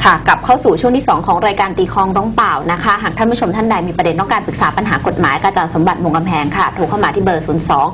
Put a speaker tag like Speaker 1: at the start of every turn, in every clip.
Speaker 1: ค่ะกลับเข้าสู่ช่วงที่2ของรายการตีคลองร้องเปล่านะคะหากท่านผู้ชมท่านใดมีประเด็นต้องการปรึกษาปัญหากฎหมายกับอาจารย์สมบัติมงกำแพงค่ะโทรเข้ามาที่เบอร์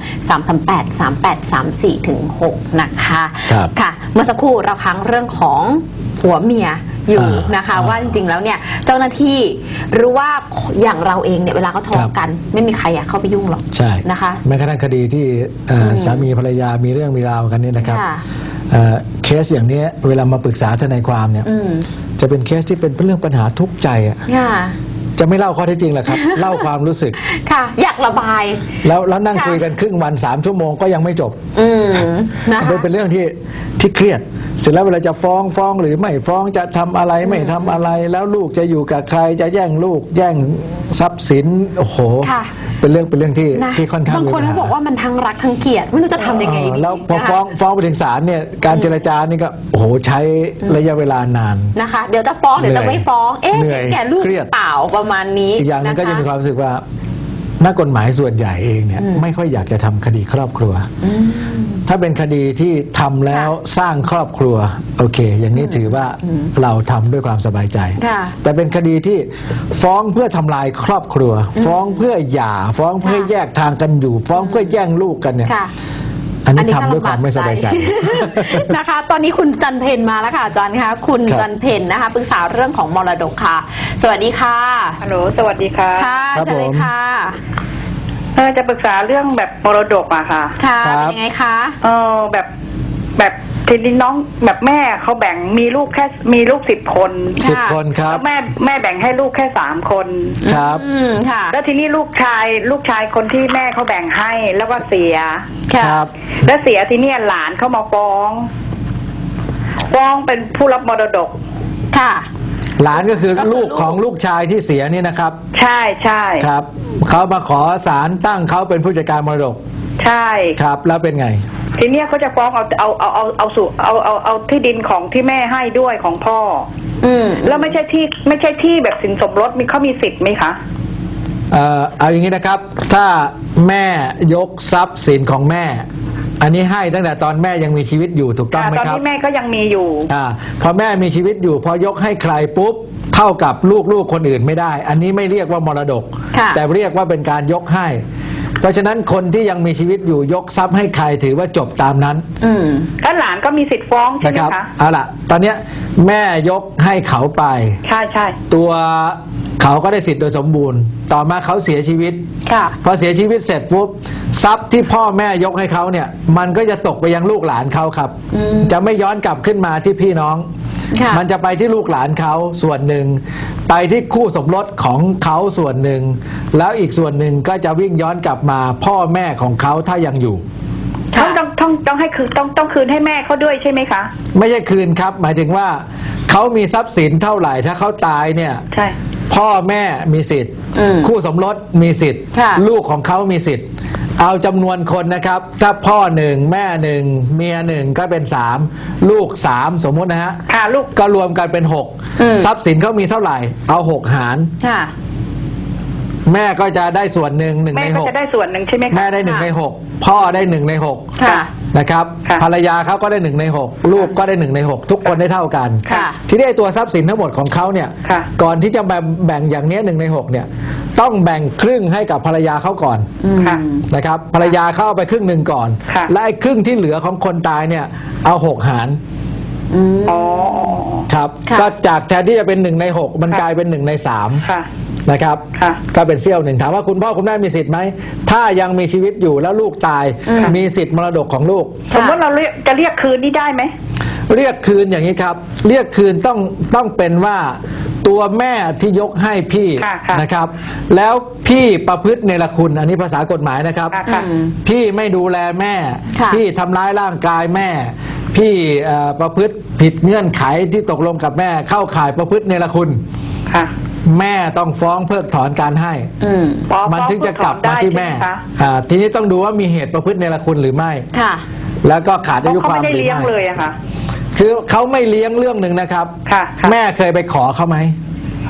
Speaker 1: 02-338-3834-6 นะคะค่ะเมื่อสักครู่เราค้างเรื่องของผัวเมียอยู่นะคะว่าจริงๆแล้วเนี่ยเจ้าหน้าที่หรือว่าอย่างเราเองเนี่ยเวลาเขาทะเลาะกันไม่มีใครอยากเข้าไปยุ่งหรอก
Speaker 2: ใช่
Speaker 1: นะคะ
Speaker 2: แม้กระทั่งคดีที่สามีภรรยามีเรื่องมีราวกันนี่นะครับเคสอย่างนี้เวลามาปรึกษาทนายความเนี่ยจะเป็นเคสที่เป็นเรื่องปัญหาทุกข์ใจอ่ะจะไม่เล่าข้อเท็จจริงหรอกครับ เล่าความรู้สึกค่ะ
Speaker 1: อยากระบาย
Speaker 2: แล้วนั่งคุยกันครึ่งวัน3 ชั่วโมงก็ยังไม่จบเป็นเรื่องที่เครียดเสร็จแล้วเวลาจะฟ้องหรือไม่ฟ้องจะทำอะไรไม่ทำอะไรแล้วลูกจะอยู่กับใครจะแย่งลูกแย่งทรัพย์สินโอ้โหเป็นเรื่องที่ค่อนข้าง
Speaker 1: บางคนเขาบอกว่ามันทั้งรักทั้งเกลียดไม่รู้จะทำยังไงดี
Speaker 2: แล้วพอฟ้องไปถึงศาลเนี่ยการเจรจานี่ก็โอ้โหใช้ระยะเวลานาน
Speaker 1: นะคะเดี๋ยวจะฟ้องเดี๋ยวจะไม่ฟ้องแก่ลูกเปล่าประมาณนี้
Speaker 2: อีกอย่างนึงก็จะมีความรู้สึกว่านักกฎหมายส่วนใหญ่เองเนี่ยไม่ค่อยอยากจะทำคดีครอบครัวถ้าเป็นคดีที่ทำแล้วสร้างครอบครัวโอเคอย่างนี้ถือว่าเราทำด้วยความสบายใจแต่เป็นคดีที่ฟ้องเพื่อทำลายครอบครัวฟ้องเพื่อหย่าฟ้องเพื่อแยกทางกันอยู่ฟ้องเพื่อแย่งลูกกันเนี่ยอันนี้ทำด้วยความไม่สบายใจ
Speaker 1: นะคะตอนนี้คุณจันเพนมาแล้วค่ะอาจารย์คะคุณจันเพนนะคะปรึกษาเรื่องของมรดกค่ะสวัสดีค่ะ
Speaker 3: ฮัลโหลสวัสดีค่ะ
Speaker 1: ค่ะเชิญเลยค่ะ
Speaker 3: จะปรึกษาเรื่องแบบมรดกอะค่ะ
Speaker 1: ค่ะเป็นยังไงคะ
Speaker 3: แบบทีนี้น้องแบบแม่เขาแบ่งมีลูก10 คน
Speaker 2: ครับ
Speaker 3: แล้วแม่แบ่งให้ลูกแค่3 คน
Speaker 2: ครับ
Speaker 3: ค่ะแล้วทีนี้ลูกชายคนที่แม่เขาแบ่งให้แล้วก็เสีย
Speaker 2: ครับ
Speaker 3: แล้วเสียทีนี้หลานเขามาฟ้องเป็นผู้รับมรดก
Speaker 1: ค่ะ
Speaker 2: หลานก็คือลูกของลูกชายที่เสียนี่นะครับ
Speaker 3: ใช่
Speaker 2: ครับเขามาขอศาลตั้งเขาเป็นผู้จัดการมรดก
Speaker 3: ใช่
Speaker 2: ครับแล้วเป็นไง
Speaker 3: ทีเนี้ยเขาจะฟ้องเอาที่ดินของที่แม่ให้ด้วยของพ่อแล้วไม่ใช่ที่แบบสินสมรสเขามีสิทธิ์ไหมคะ
Speaker 2: เอาอย่างนี้นะครับถ้าแม่ยกทรัพย์สินของแม่อันนี้ให้ตั้งแต่ตอนแม่ยังมีชีวิตอยู่ถูกต้องไหมครับ
Speaker 3: ตอนที่แม่ก็ยังมีอยู่
Speaker 2: พอแม่มีชีวิตอยู่พอยกให้ใครปุ๊บเท่ากับลูกคนอื่นไม่ได้อันนี้ไม่เรียกว่ามรดกแต่เรียกว่าเป็นการยกให้เพราะฉะนั้นคนที่ยังมีชีวิตอยู่ยกทรัพย์ให้ใครถือว่าจบตามนั้น
Speaker 3: แล้วหลานก็มีสิทธิ์ฟ้องใช่ไหมคะ
Speaker 2: เอาล่ะตอนนี้แม่ยกให้เขาไป
Speaker 3: ใช่
Speaker 2: ตัวเขาก็ได้สิทธิ์โดยสมบูรณ์ต่อมาเขาเสียชีวิตพอเสียชีวิตเสร็จปุ๊บทรัพย์ที่พ่อแม่ยกให้เขาเนี่ยมันก็จะตกไปยังลูกหลานเขาครับจะไม่ย้อนกลับขึ้นมาที่พี่น้องมันจะไปที่ลูกหลานเขาส่วนหนึ่งไปที่คู่สมรสของเขาส่วนหนึ่งแล้วอีกส่วนหนึ่งก็จะวิ่งย้อนกลับมาพ่อแม่ของเขาถ้ายังอยู่
Speaker 3: ต้องให้คืนต้องคืนให้แม่เขาด้วยใช่ไหมคะ
Speaker 2: ไม่ใช่คืนครับหมายถึงว่าเขามีทรัพย์สินเท่าไหร่ถ้าเขาตายเนี่ย
Speaker 3: ใช่
Speaker 2: พ่อแม่มีสิทธิ์คู่สมรสมีสิทธิ์ลูกของเขามีสิทธิ์เอาจำนวนคนนะครับถ้าพ่อ1แม่1เมีย1ก็เป็น3ลูก3สมมตินะฮะ
Speaker 3: ลูก
Speaker 2: ก็รวมกันเป็น6ทรัพย์สินเขามีเท่าไหร่เอา6หารแม่ก็จะได้ส่วนหนึ่ง1 ใน 6
Speaker 3: แม่ก็จะได้ส่วนหนึ่งใช่ไหมคะ
Speaker 2: แม่ได้1 ใน 6พ่อได้1 ใน 6นะครับภรรยาเขาก็ได้1 ใน 6ลูกก็ได้1 ใน 6ทุกคนได้เท่ากันที่ได้ตัวทรัพย์สินทั้งหมดของเขาเนี่ยก่อนที่จะแบ่งอย่างนี้1 ใน 6เนี่ยต้องแบ่งครึ่งให้กับภรรยาเขาก่อนนะครับภรรยาเขาเอาไปครึ่งหนึ่งก่อนและไอ้ครึ่งที่เหลือของคนตายเนี่ยเอา6หารครับก็จากแทนที่จะเป็น1 ใน 6มันกลายเป็น1 ใน 3นะครับก็เป็นเสี้ยวหนึ่งถามว่าคุณพ่อคุณแม่มีสิทธิ์ไหมถ้ายังมีชีวิตอยู่แล้วลูกตายมีสิทธิ์มรดกของลูก
Speaker 3: สมมติเราจะเรียกคืนนี่ได้ไหม
Speaker 2: เรียกคืนอย่างนี้ครับเรียกคืนต้องเป็นว่าตัวแม่ที่ยกให้พี่นะครับแล้วพี่ประพฤติเนรคุณอันนี้ภาษากฎหมายนะครับพี่ไม่ดูแลแม่พี่ทำร้ายร่างกายแม่พี่ประพฤติผิดเงื่อนไขที่ตกลงกับแม่เข้าข่ายประพฤติเนรคุณแม่ต้องฟ้องเพิกถอนการให้มันถึงจะกลับมาที่แม่ทีนี้ต้องดูว่ามีเหตุประพฤติเนรคุณหรือไม่แล้วก็ขาดอายุความหรือไม่คือเขาไม่เลี้ยงเรื่องหนึ่งนะครับแม่เคยไปขอเขาไหม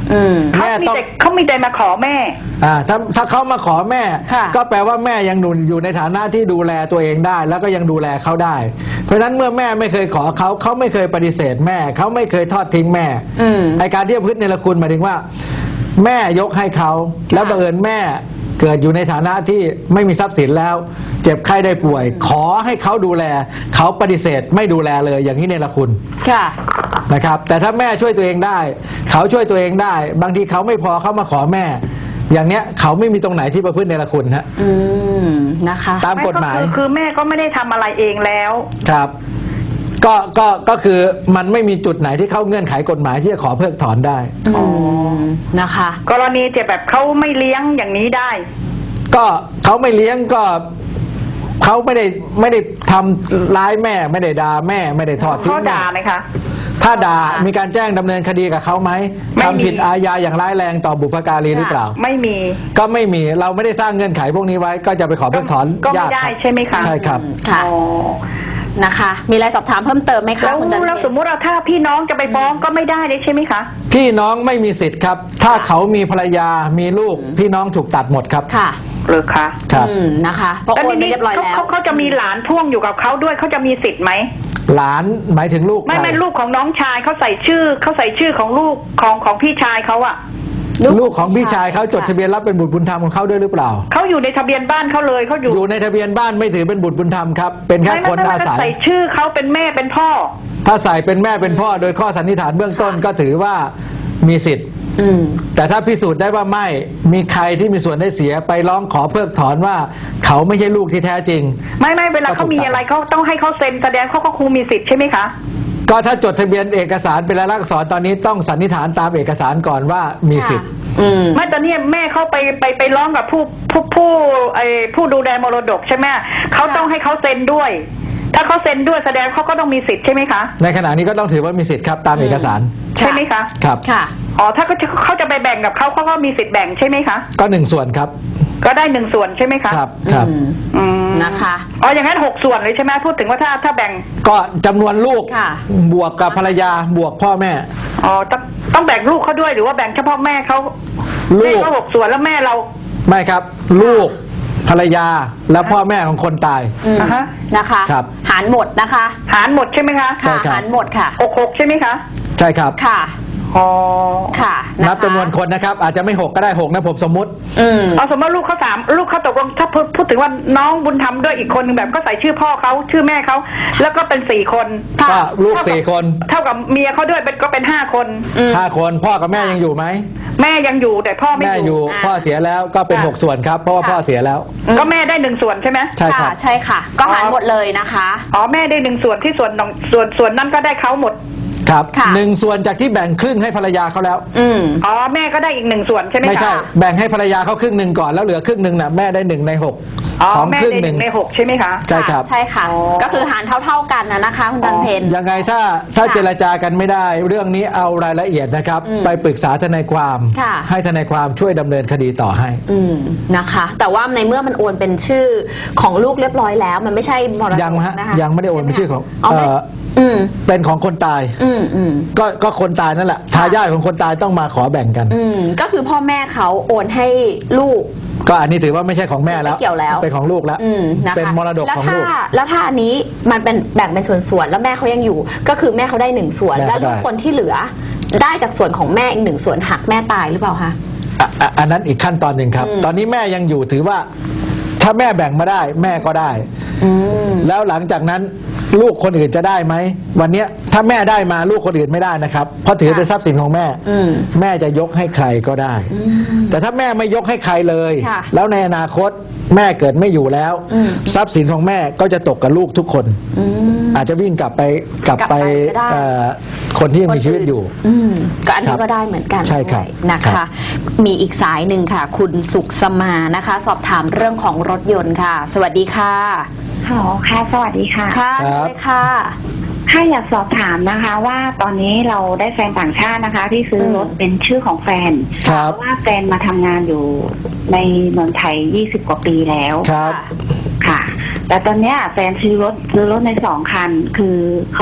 Speaker 3: เขามีใจมาขอแม่
Speaker 2: ถ้าเขามาขอแม่ก็แปลว่าแม่ยังอยู่ในฐานะที่ดูแลตัวเองได้แล้วก็ยังดูแลเขาได้เพราะฉะนั้นเมื่อแม่ไม่เคยขอเขาไม่เคยปฏิเสธแม่เขาไม่เคยทอดทิ้งแม่ไอการที่ประพฤติเนรคุณหมายถึงว่าแม่ยกให้เขาแล้วบังเอิญแม่เกิดอยู่ในฐานะที่ไม่มีทรัพย์สินแล้วเจ็บไข้ได้ป่วยขอให้เขาดูแลเขาปฏิเสธไม่ดูแลเลยอย่างนี้เนรคุณนะครับแต่ถ้าแม่ช่วยตัวเองได้เขาช่วยตัวเองได้บางทีเขาไม่พอเขามาขอแม่อย่างเนี้ยเขาไม่มีตรงไหนที่ประพฤติเนรคุณฮะ
Speaker 1: นะคะ
Speaker 2: ตามกฎหมาย
Speaker 3: คือแม่ก็ไม่ได้ทำอะไรเองแล้ว
Speaker 2: ครับก็คือมันไม่มีจุดไหนที่เข้าเงื่อนไขกฎหมายที่จะขอเพิกถอนได้
Speaker 1: นะคะ
Speaker 3: กรณีจะแบบเขาไม่เลี้ยงอย่างนี้ได้
Speaker 2: ก็เขาไม่เลี้ยงก็เขาไม่ได้ทำร้ายแม่ไม่ได้ด่าแม่ไม่ได้ทอดทิ้ง
Speaker 3: แม่เขาด่าไหมคะ
Speaker 2: ถ้าด่ามีการแจ้งดำเนินคดีกับเขาไหมทำผิดอาญาอย่างร้ายแรงต่อบุพการีหรือเปล่า
Speaker 3: ไม่มี
Speaker 2: ก็ไม่มีเราไม่ได้สร้างเงื่อนไขพวกนี้ไว้ก็จะไปขอเพิกถอน
Speaker 3: ก็ไม่ได้ใช่ไหมคะ
Speaker 2: ใช่ครับ
Speaker 1: ค่ะนะคะมีอะไรสอบถามเพิ่มเติมไหมคะคุณจันทร์
Speaker 3: แล้วสมมุติว่าถ้าพี่น้องจะไปฟ้องก็ไม่ได้เลยใช่ไหมคะ
Speaker 2: พี่น้องไม่มีสิทธิ์ครับถ้าเขามีภรรยามีลูกพี่น้องถูกตัดหมดครับ
Speaker 1: ค่ะ
Speaker 3: หรือคะ
Speaker 2: ครับ
Speaker 1: นะคะเพราะโอนไปเรียบร้อยแล้ว
Speaker 3: เขาจะมีหลานพ่วงอยู่กับเขาด้วยเขาจะมีสิทธิ์ไหม
Speaker 2: หลานหมายถึงลูก
Speaker 3: ไม่ลูกของน้องชายเขาใส่ชื่อของลูกของพี่ชายเขาอะ
Speaker 2: ลูกของพี่ชายเขาจดทะเบียนรับเป็นบุตรบุญธรรมของเขาด้วยหรือเปล่า
Speaker 3: เขาอยู่ในทะเบียนบ้านเขาเลยเขาอยู่
Speaker 2: ในทะเบียนบ้านไม่ถือเป็นบุตรบุญธรรมครับเป็นแค่คนอาศัย
Speaker 3: ใส่ชื่อเขาเป็นแม่เป็นพ่อ
Speaker 2: ถ้าใส่เป็นแม่เป็นพ่อโดยข้อสันนิษฐานเบื้องต้นก็ถือว่ามีสิทธิ์แต่ถ้าพิสูจน์ได้ว่าไม่มีใครที่มีส่วนได้เสียไปร้องขอเพิกถอนว่าเขาไม่ใช่ลูกที่แท้จริง
Speaker 3: ไม่เวลาเขามีอะไรเขาต้องให้เขาเซ็นแสดงเขาก็คงมีสิทธิ์ใช่ไหมคะ
Speaker 2: ก็ถ้าจดทะเบียนเอกสารเป็นลายลักษณ์อักษรตอนนี้ต้องสันนิษฐานตามเอกสารก่อนว่ามีสิทธิ์
Speaker 3: ไม่ตอนนี้แม่เขาไปร้องกับผู้ดูแลมรดกใช่ไหมเขาต้องให้เขาเซ็นด้วยถ้าเขาเซ็นด้วยแสดงเขาก็ต้องมีสิทธิ์ใช่ไหมคะ
Speaker 2: ในขณะนี้ก็ต้องถือว่ามีสิทธิ์ครับตามเอกสาร
Speaker 3: ใช่ไหมคะ
Speaker 2: ครับ
Speaker 1: ค่ะ
Speaker 3: อ๋อถ้าเขาจะไปแบ่งกับเขาก็มีสิทธิ์แบ่งใช่ไหมคะ
Speaker 2: ก็1 ส่วนครับ
Speaker 3: ก็ได้1 ส่วนใช่ไหมคะ
Speaker 2: ครับ
Speaker 1: นะคะ
Speaker 3: อ๋ออย่างนั้น6 ส่วนเลยใช่ไหมพูดถึงว่าถ้าแบ่ง
Speaker 2: ก็จำนวนลูกบวกกับภรรยาบวกพ่อแม่
Speaker 3: อ๋อต้องแบ่งลูกเขาด้วยหรือว่าแบ่งเฉพาะแม่เขาลูก6 ส่วนแล้วแม่เรา
Speaker 2: ไม่ครับลูกภรรยาและพ่อแม่ของคนตาย
Speaker 1: นะคะหารหมดนะคะ
Speaker 3: หารหมดใช่ไหมคะ
Speaker 1: หารหมดค่ะ
Speaker 3: 6ใช่ไหมคะ
Speaker 2: ใช่ครับ
Speaker 1: ค่ะค่ะ
Speaker 2: นับจำนวนคนนะครับอาจจะไม่6ก็ได้6นะผมสมมุติ
Speaker 3: เอาสมมติลูกเขา3ลูกเขาตกลงถ้าพูดถึงว่าน้องบุญธรรมด้วยอีกคนนึงแบบก็ใส่ชื่อพ่อเขาชื่อแม่เขาแล้วก็เป็น4 คน
Speaker 2: ก็ลูก4 คน
Speaker 3: เท่ากับเมียเขาด้วยก็เป็น5 คน
Speaker 2: 5 คนพ่อกับแม่ยังอยู่ไหม
Speaker 3: แม่ยังอยู่แต่พ่อไม่
Speaker 2: อยู่พ่อเสียแล้วก็เป็น6 ส่วนครับเพราะว่าพ่อเสียแล้ว
Speaker 3: ก็แม่ได้1 ส่วนใช่ไหม
Speaker 2: ใช่ครับ
Speaker 1: ใช่ค่ะก็หารหมดเลยนะคะ
Speaker 3: อ๋อแม่ได้1 ส่วนที่ส่วนนั้นก็ได้เขาหมด
Speaker 2: ครับ1 ส่วนจากที่แบ่งครึ่งให้ภรรยาเขาแล้ว
Speaker 3: อ๋อแม่ก็ได้อีก1 ส่วนใช่ไหมคะ
Speaker 2: ไม่ใช่แบ่งให้ภรรยาเขาครึ่งหนึ่งก่อนแล้วเหลือครึ่งหนึ่งนะแม่ได้1 ใน 6
Speaker 3: ของครึ่งหนึ่งใน6ใช่ไหมคะ
Speaker 2: ใช่ครับ
Speaker 1: ใช่ค่ะก็คือหารเท่าๆกันนะคะคุณจันเพญ
Speaker 2: ยังไงถ้าเจรจากันไม่ได้เรื่องนี้เอารายละเอียดนะครับไปปรึกษาทนายความให้ทนายความช่วยดำเนินคดีต่อให้
Speaker 1: นะคะแต่ว่าในเมื่อมันโอนเป็นชื่อของลูกเรียบร้อยแล้วมันไม่ใช่มรดก
Speaker 2: นะคะยังไม่ได้โอนเป็นชื่อของเป็นของคนตายก็คนตายนั่นแหละทายาทของคนตายต้องมาขอแบ่งกัน
Speaker 1: ก็คือพ่อแม่เขาโอนให้ลูก
Speaker 2: ก็อันนี้ถือว่าไม่ใช่ของแม่แล้ว
Speaker 1: เกี่ยวแล้ว
Speaker 2: เป็นของลูกแล้วเป็นมรดกของลูก
Speaker 1: แล้วถ้าอันนี้มันเป็นแบ่งเป็นส่วนๆแล้วแม่เขายังอยู่ก็คือแม่เขาได้1 ส่วนแล้วลูกคนที่เหลือได้จากส่วนของแม่อีก1 ส่วนหักแม่ตายหรือเปล่าคะ
Speaker 2: อันนั้นอีกขั้นตอนหนึ่งครับตอนนี้แม่ยังอยู่ถือว่าถ้าแม่แบ่งมาได้แม่ก็ได้แล้วหลังจากนั้นลูกคนอื่นจะได้ไหมวันนี้ถ้าแม่ได้มาลูกคนอื่นไม่ได้นะครับเพราะถือเป็นทรัพย์สินของแม่แม่จะยกให้ใครก็ได้แต่ถ้าแม่ไม่ยกให้ใครเลยแล้วในอนาคตแม่เกิดไม่อยู่แล้วทรัพย์สินของแม่ก็จะตกกับลูกทุกคนอาจจะวิ่งกลับไปคนที่ยังมีชีวิตอยู่
Speaker 1: ก็อันนี้ก็ได้เหมือนกัน
Speaker 2: ใช่ครับ
Speaker 1: นะคะมีอีกสายหนึ่งค่ะคุณสุขสมานะคะสอบถามเรื่องของรถยนต์ค่ะสวัสดีค่ะ
Speaker 4: ค่ะสวัสดีค่ะ
Speaker 1: ค่ะค่ะ
Speaker 4: ค่ะอยากสอบถามนะคะว่าตอนนี้เราได้แฟนต่างชาตินะคะที่ซื้อรถเป็นชื่อของแฟนเพราะว่าแฟนมาทำงานอยู่ในเมืองไทย20 กว่าปีแล้วค่ะแต่ตอนนี้แฟนซื้อรถใน2 คันคือเขา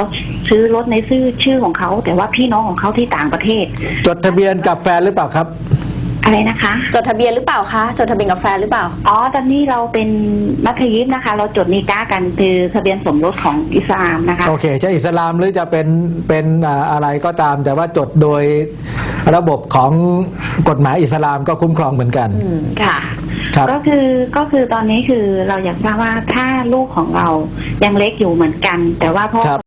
Speaker 4: ซื้อรถในชื่อของเขาแต่ว่าพี่น้องของเขาที่ต่างประเทศ
Speaker 2: จดทะเบียนกับแฟนหรือเปล่าครับ
Speaker 4: อะไรนะคะ
Speaker 1: จดทะเบียนหรือเปล่าคะจดทะเบียนกับแฟนหรือเปล่า
Speaker 4: อ๋อตอนนี้เราเป็นมัธยิมนะคะ เราจดนิก้ากันคือทะเบียนสมรสของอิสลามนะคะ
Speaker 2: โอเคจะอิสลามหรือจะเป็นอะไรก็ตาม แต่ว่าจดโดยระบบของกฎหมายอิสลามก็คุ้มครองเหมือนกัน
Speaker 1: ค่ะ
Speaker 2: ครับ
Speaker 4: ก็คือตอนนี้คือเราอยากทราบว่าถ้าลูกของเรายังเล็กอยู่เหมือนกัน แต่ว่าพ่อ
Speaker 2: ครับ